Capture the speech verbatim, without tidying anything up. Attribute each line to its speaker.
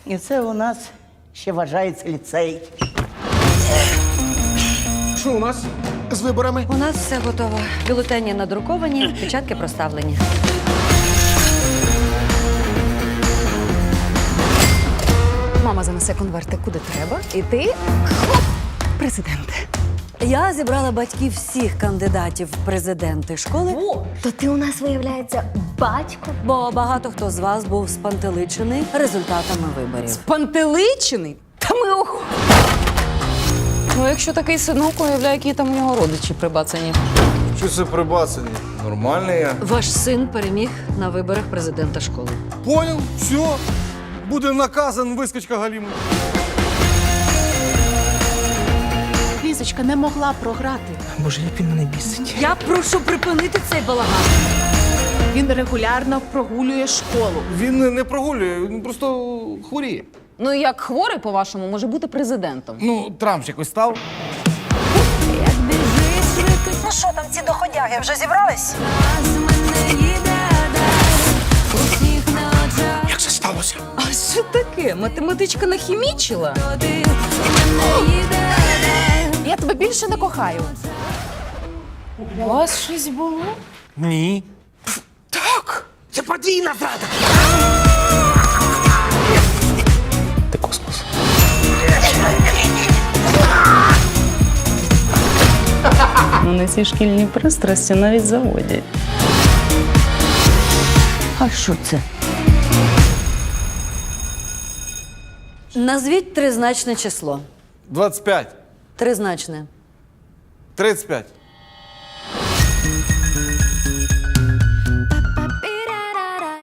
Speaker 1: І це у нас ще вважається ліцей.
Speaker 2: Що у нас з виборами?
Speaker 3: У нас все готово. Бюлетені надруковані, печатки проставлені.
Speaker 4: Мама занесе конверти куди треба, і ти хоп, президент.
Speaker 3: Я зібрала батьків всіх кандидатів в президенти школи,
Speaker 4: То ти у нас, виявляється, батько?
Speaker 3: бо багато хто з вас був спантеличений результатами виборів.
Speaker 4: Пантеличений? Та ми ох...
Speaker 5: Ну, якщо такий синок, уявляю, які там у нього родичі прибацані.
Speaker 2: Що це прибацані? Нормальний я.
Speaker 3: Ваш син переміг на виборах президента школи.
Speaker 2: Понял? Все. Буде наказан вискочка Галіми.
Speaker 6: Лізочка не могла програти.
Speaker 7: Боже, як він мене бісить.
Speaker 3: Я прошу припинити цей балаган.
Speaker 6: Він регулярно прогулює школу.
Speaker 2: Він не прогулює, він просто хворіє.
Speaker 5: Ну, і як хворий, по-вашому, може бути президентом?
Speaker 2: Ну, Трамп ж якось став.
Speaker 3: Ну що там, ці доходяги вже зібрались?
Speaker 7: Як це сталося?
Speaker 5: А що таке? Математичка нахімічила?
Speaker 6: Я тебе більше не кохаю.
Speaker 5: У вас щось було?
Speaker 7: Ні. Так! Це подвійна зрада! Ти космос.
Speaker 5: Вони ці шкільні пристрасті навіть заводять.
Speaker 3: А що це? Назвіть тризначне число.
Speaker 2: двадцять п'ять.
Speaker 3: Тризначне.
Speaker 2: тридцять п'ять.